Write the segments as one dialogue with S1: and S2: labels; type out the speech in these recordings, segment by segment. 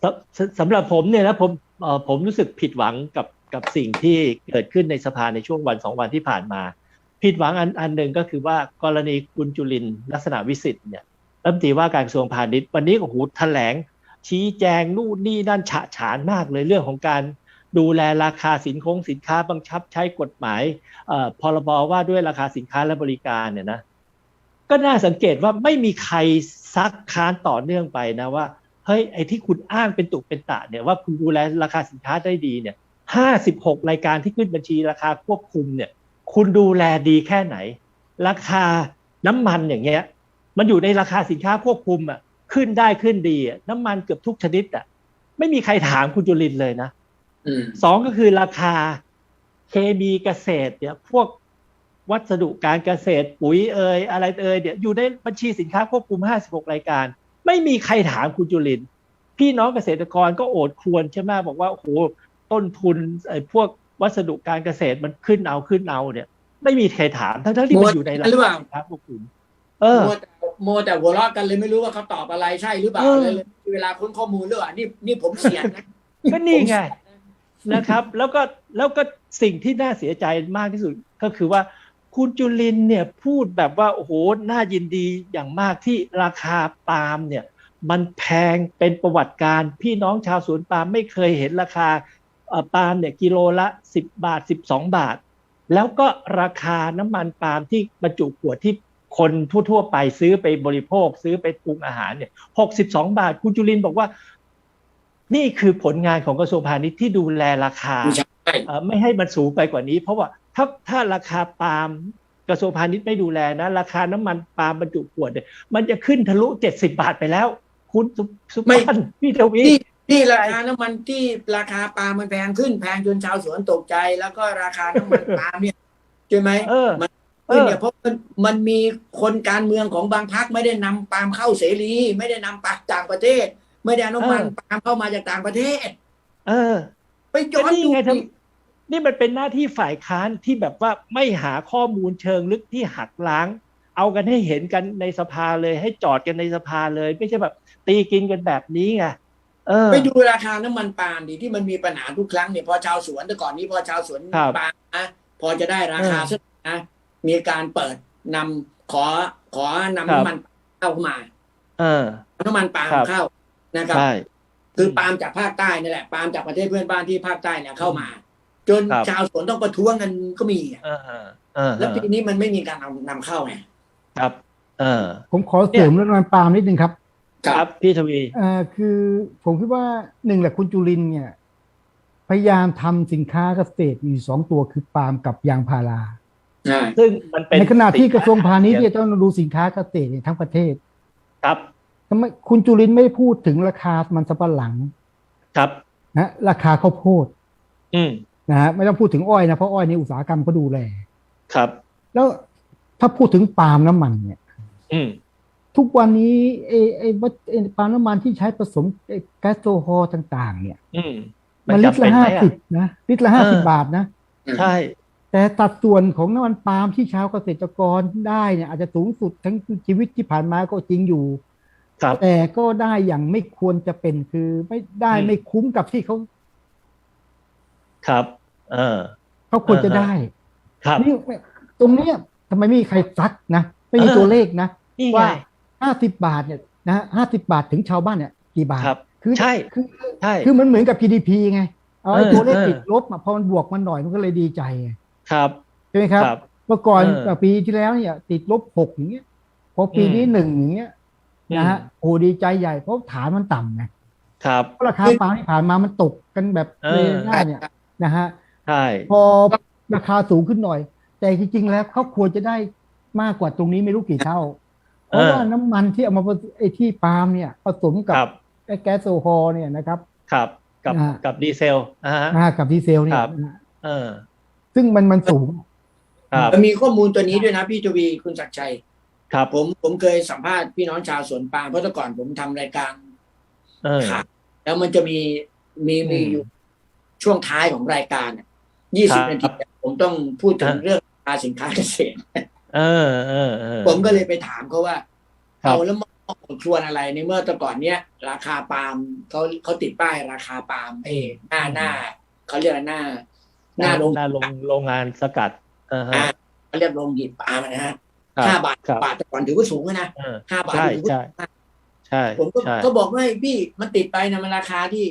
S1: สำหรับผมเนี่ยนะผมรู้สึกผิดหวังกับสิ่งที่เกิดขึ้นในสภาในช่วงวันสองวันที่ผ่านมาผิดหวังอันหนึ่งก็คือว่ากรณีคุณจุลินทร์ลักษณะวิสิทธิ์เนี่ยรัฐมนตรีว่าการกระทรวงพาณิชย์วันนี้โอ้โหแถลงชี้แจงนู่นนี่นั่นฉะฉานมากเลยเรื่องของการดูแลราคาสินค้าบังคับใช้กฎหมายพรบว่าด้วยราคาสินค้าและบริการเนี่ยนะก็น่าสังเกตว่าไม่มีใครซักค้านต่อเนื่องไปนะว่าเฮ้ยไอ้ที่คุณอ้างเป็นตุเป็นตะเนี่ยว่าคุณดูแลราคาสินค้าได้ดีเนี่ย56รายการที่ขึ้นบัญชีราคาควบคุมเนี่ยคุณดูแลดีแค่ไหนราคาน้ำมันอย่างเงี้ยมันอยู่ในราคาสินค้าควบคุมอ่ะขึ้นได้ขึ้นดีน้ำมันเกือบทุกชนิดอ่ะไม่มีใครถามคุณจุลินทร์เลยนะสองก็คือราคาเคมีเกษตรเนี่ยพวกวัสดุการเกษตรปุ๋ยอะไรเนี่ยอยู่ในบัญชีสินค้าควบคุม56รายการไม่มีใครถามคุณจุลินทร์พี่น้องเกษตรกรก็โอดครวญใช่ไหมบอกว่าโอ้โหต้นทุนพวกวัสดุการเกษตรมันขึ้นเอาเนี่ยไม่มีใครถามทั้งที่มันอยู่ในราคาสินค้าควบคุม
S2: โมแต่หัวเราะกันเลยไม่รู้ว่าเขาตอบอะไรใช่หรือเปล่าเลยเวลาค้นข้อมูลหรือเปล่านี่ผมเสียนะ
S1: ก็นี่ไงนะครับแล้วก็สิ่งที่น่าเสียใจมากที่สุดก็คือว่าคุณจุลินเนี่ยพูดแบบว่าโอ้โหน่ายินดีอย่างมากที่ราคาปาล์มเนี่ยมันแพงเป็นประวัติการพี่น้องชาวสวนปาล์มไม่เคยเห็นราคาปาล์มเนี่ยกิโลละ10 บาท12 บาทแล้วก็ราคาน้ำมันปาล์มที่บรรจุขวดที่คนทั่วๆไปซื้อไปบริโภคซื้อไปปรุงอาหารเนี่ย62 บาทคุณจุลินบอกว่านี่คือผลงานของกระทรวงพาณิชย์ที่ดูแลราคาไม่ให้มันสูงไปกว่านี้เพราะว่าถ้าราคาปาล์มกระทรวงพาณิชย์ไม่ดูแลนะราคาน้ำมันปาล์มบรรจุขวดเนี่ยมันจะขึ้นทะลุ70 บาทไปแล้วคุณสุพันธ์พี่ทวี
S2: ที่ราคาน้ำมันที่ราคาปาล์มมันแพงขึ้นแพงจนชาวสวนตกใจแล้วก็ราคาน้ำมันปาล์มเนี่ยใช่ไหมมันเนี่ยเพราะมันมีคนการเมืองของบางพรรคไม่ได้นำปาล์มเข้าเสรีไม่ได้นำปาล์มต่างประเทศไม่ได้น้ำมันปาล์มเข้ามาจากต่างประเทศไปย้อนดู
S1: นี่มันเป็นหน้าที่ฝ่ายค้านที่แบบว่าไม่หาข้อมูลเชิงลึกที่หักล้างเอากันให้เห็นกันในสภาเลยให้จอดกันในสภาเลยไม่ใช่แบบตีกินกันแบบนี้ไง
S2: ไปดูราคาน้ำมันปาล์มดิที่มันมีปัญหาทุกครั้งเนี่ยพอชาวสวนแต่ก่อนนี้พอชาวสวนปาล์มนะพอจะได้ราคาสักนะมีการเปิดนำขอนำน้ำมันเข้ามาน้ำมันปาล์มเข้านะครับคือปาล์มจากภาคใต้นี่แหละปาล์มจากประเทศเพื่อนบ้านที่ภาคใต้เนี่ยเข้ามาจนชาวสวนต้องประท้วงกันก็มีแล้วปีนี้มันไม่มีการนำเข้าไง
S1: ครับ
S3: ผมขอเสริมเรื่องน้ำมันปาล์มนิดนึงครับ
S1: ครับพี่ทวี
S3: คือผมคิดว่าหนึ่งแหละคุณจุลินเนี่ยพยายามทำสินค้าเกษตรอยู่2 ตัวคือปาล์มกับยางพารา
S1: ซึ่งมันเป็น
S3: ในขณะที่กระทรวงพาณิชย์ต้องดูสินค้าเกษตรทั้งประเทศ
S1: ครับ
S3: ทำไมคุณจุลินไม่พูดถึงราคามันสำปะหลัง
S1: ครับ
S3: นะราคาข้าวโพดนะฮะไม่ต้องพูดถึงอ้อยนะเพราะอ้อยในอุตสาหกรรมก็ดูแล
S1: ครับ
S3: แล้วถ้าพูดถึงปาล์มน้ำมันเนี่ยทุกวันนี้ปาล์มน้ำมันที่ใช้ผสมแก๊สโซฮอล์ต่างๆเนี่ยมันลิตรละ50นะลิตรละ50 บาทนะ
S1: ใช่
S3: แต่สัดส่วนของน้ำมันปาล์มที่ชาวเกษตรกรได้เนี่ยอาจจะสูงสุดทั้งชีวิตที่ผ่านมาก็จริงอยู่แต่ก็ได้อย่างไม่ควรจะเป็นคือไม่ได้ไม่คุ้มกับที่เขา
S1: ครับ
S3: เขาควรจะได้นี่ตรงนี้ทำไมไม่มีใครซักนะไม่มีตัวเลขนะว่า50 บาทเนี่ยนะ50 บาทถึงชาวบ้านเนี่ยกี่บาท
S1: คือใช่
S3: คือมันเหมือนกับ GDP ไงเอาไอ้ตัวเลขติดลบพอมันบวกมันหน่อยมันก็เลยดีใจ
S1: ครับ
S3: ใช่ไหมครับเมื่อก่อนปีที่แล้วเนี่ยติดลบ6อย่างเงี้ยพอปีนี้1อย่างเงี้ยนะฮะโอ้ดีใจใหญ่เพราะฐานมันต่ำไง
S1: ครับ
S3: ราคาปาล์มที่ผ่านมามันตกกันแบบเลยง่ายเนี่ยนะฮะ
S1: ใช่
S3: พอราคาสูงขึ้นหน่อยแต่จริงๆแล้วเขาควรจะได้มากกว่าตรงนี้ไม่รู้กี่เท่าเพราะว่าน้ำมันที่เอามาไอ้ที่ปาล์มเนี่ยผสมกับไอ้แก๊สโซฮอล์เนี่ยนะครับ
S1: ครับกับดีเซล
S3: กับดีเซลเนี่ยซึ่งมันสูง
S2: มันมีข้อมูลตัวนี้ด้วยนะพี่ทวีคุณศักดิ์ชัยครับผมเคยสัมภาษณ์พี่น้องชาวสวนปาล์มเพราะแต่ก่อนผมทำรายการข่าวแล้วมันจะมีอยู่ช่วงท้ายของรายการ20 นาทีผมต้องพูดถึงเรื่องราคาสินค้าเกษตรผมก็เลยไปถามเขาว่าเอาแล้วครวญอะไรในเมื่อแต่ก่อนเนี้ยราคาปาล์มเขาติดป้ายราคาปาล์มหน้าเขาเรียกอะไรหน้า
S1: โรงงานสกัด
S2: เขาเรียกโรงหีบปาล์มนะฮะ5 บาทแต่ก่อนถือว่าสูงนะ5 บาทถือว่า
S1: ใช่
S2: ผมก็บอกว่าพี่มันติดไปนะมันราคาที่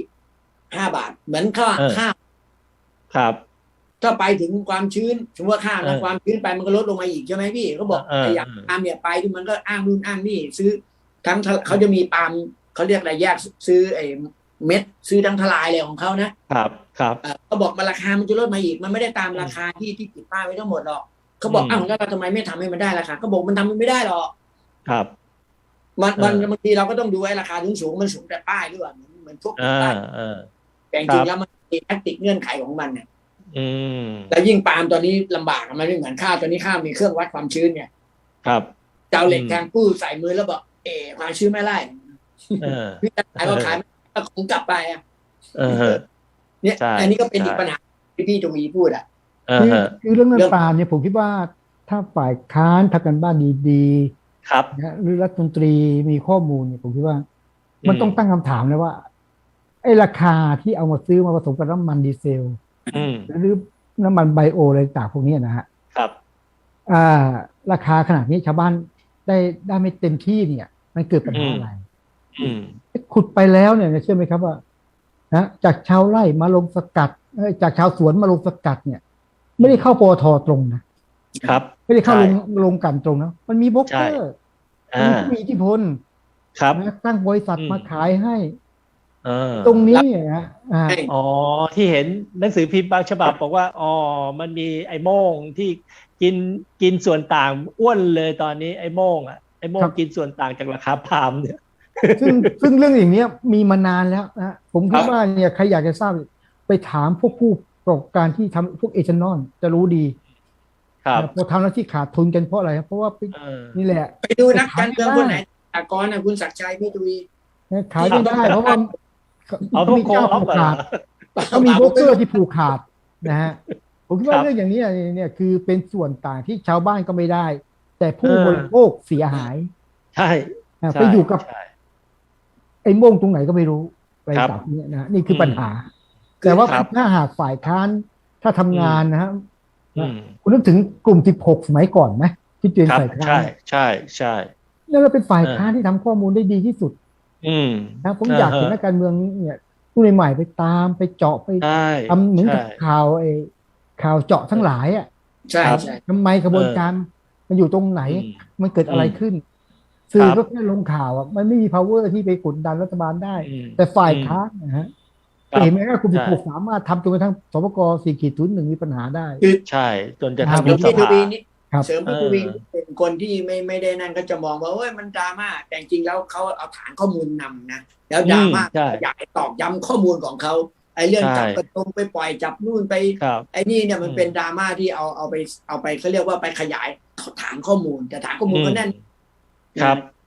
S2: 5 บาทเหมือนค่า
S1: ครับ
S2: ถ้าไปถึงความชื้นสมมติว่าค่าแล้วความชื้นไปมันก็ลดลงมาอีกใช่ไหมพี่เขาบอกอย่างปาล์มเนี่ยไปที่มันก็อ้างนู่นอ้างนี่ซื้อทั้งเขาจะมีปาล์มเขาเรียกอะไรแยกซื้อไอ้เม็ดซื้อทั้งทลายเลยของเขานะครับเขาบอกมันราคามันจะลดมาอีกมันไม่ได้ตามราคาที่ติดป้ายไว้ทั้งหมดหรอกเขาบอกอ้าวแล้วเราทำไมไม่ทำให้มันได้ราคาเขาบอกมันทำมันไม่ได้หรอก
S1: ครับ
S2: มันบางทีเราก็ต้องดูไอ้ราคาสูงมันสูงแต่ป้ายหรือเปล่าเหมือนพวกป้ายแต่จริงแล้วมันมีแทคติกเงื่อนไขของมันเนี่ยแล้วยิ่งปาล์มตอนนี้ลำบากมันไม่เหมือนข้าวตอนนี้ข้าวมีเครื่องวัดความชื้นเนี่ย
S1: ครับ
S2: เจ้าเหล็กแทงกู้ใส่มือแล้วบอกความชื้นไม่ไล่พี่จะขายก็ขายไม่คงกลับไปเนี่ยอันนี้ก็เป็นอีกปัญหาที่พี่จวีพูด
S3: คือเรื่องปาล์มเนี่ยผมคิดว่าถ้าฝ่ายค้านทำกันบ้านดีๆ
S1: ครับ
S3: หรือรัฐมนตรีมีข้อมูลเนี่ยผมคิดว่ามันต้องตั้งคำถามเลยว่าไอ้ราคาที่เอามาซื้อมาผสมกับน้ำมันดีเซลหรือน้ำมันไบโออะไรต่างพวกนี้นะฮะ
S1: ครับ
S3: ราคาขนาดนี้ชาวบ้านได้ไม่เต็มที่เนี่ยมันเกิดปัญหาอะไรขุดไปแล้วเนี่ยเชื่อไหมครับว่าจากชาวไร่มาลงสกัดจากชาวสวนมาลงสกัดเนี่ยไม่ได้เข้าปตท.ตรงนะครับไม่ได้เข้าลงกันตรงนะมันมีโบรกเกอร์มีอิทธิพลตั้งบริษัทมาขายให้ตรงนี้
S1: ที่เห็นหนังสือพิมพ์บางฉบับบอกว่ามันมีไอ้โม่งที่กินส่วนต่างอ้วนเลยตอนนี้ไอ้โม่งกินส่วนต่างจากราคาปาล์มเนี่ย
S3: ซึ่งเรื่องอย่างนี้มีมานานแล้วนะผมคิดว่าเนี่ยใครอยากจะทราบไปถามพวกผู้ประกอบการที่ทำพวกเอเจนอลจะรู้ดีพอทำแล้วที่ขาดทุนกันเพราะอะไรเพราะว่านี่แหละ
S2: ไปดูนักการเมืองคนไหนอากรคุณศักดิ์ชัยพี่ตุย
S3: ขายไม่ได้เพราะว่าเขามีเจ้าผูกขาดเขามีโบรกเกอร์ที่ผูกขาดนะฮะผมคิดว่าเรื่องอย่างนี้เนี่ยคือเป็นส่วนต่างที่ชาวบ้านก็ไม่ได้แต่ผู้บริโภคเสียหาย
S1: ใช่
S3: ไปอยู่กับไอ้โม่งตรงไหนก็ไม่รู้ไปจากนี้นะนี่คือปัญหาแต่ว่าถ้าหากฝ่ายค้านถ้าทำงานนะฮะคุณนึกถึงกลุ่ม16สมัยก่อนไหมที่เตือนฝ่ายค้าน
S1: ใช่
S3: นั่นเราเป็นฝ่ายค้านที่ทำข้อมูลได้ดีที่สุดนะผมอยากเห็นนักการเมืองเนี่ยผู้ใหม่ไปตามไปเจาะไปทำเหมือนกับข่าวเจาะทั้งหลาย
S2: ใช่
S3: ทำไมกระบวนการมันอยู่ตรงไหนมันเกิดอะไรขึ้นสื่อก็แค่ลงข่าวมันไม่มี power ที่ไปกดดันรัฐบาลได้แต่ฝ่ายค้านนะฮะเห็นไหมว่าคุณผูกสามารถทำจนกระทั่งสปก.4.1มีปัญหาได้
S1: ใช่จนจะทำยุบสภา
S2: เสริมพี่วินเป็นคนที่ไม่ได้นั่นก็จะมองว่ามันดราม่าแต่จริงแล้วเขาเอาฐานข้อมูลนำนะแล้วดราม่าอยากตอกย้ำข้อมูลของเขาไอ้เรื่องจับกระทงไปปล่อยจับนู่นไปไอ้นี่เนี่ยมันเป็นดราม่าที่เอาไปเขาเรียกว่าไปขยายฐานข้อมูลแต่ฐานข้อมูลก็แน่น
S1: ครับ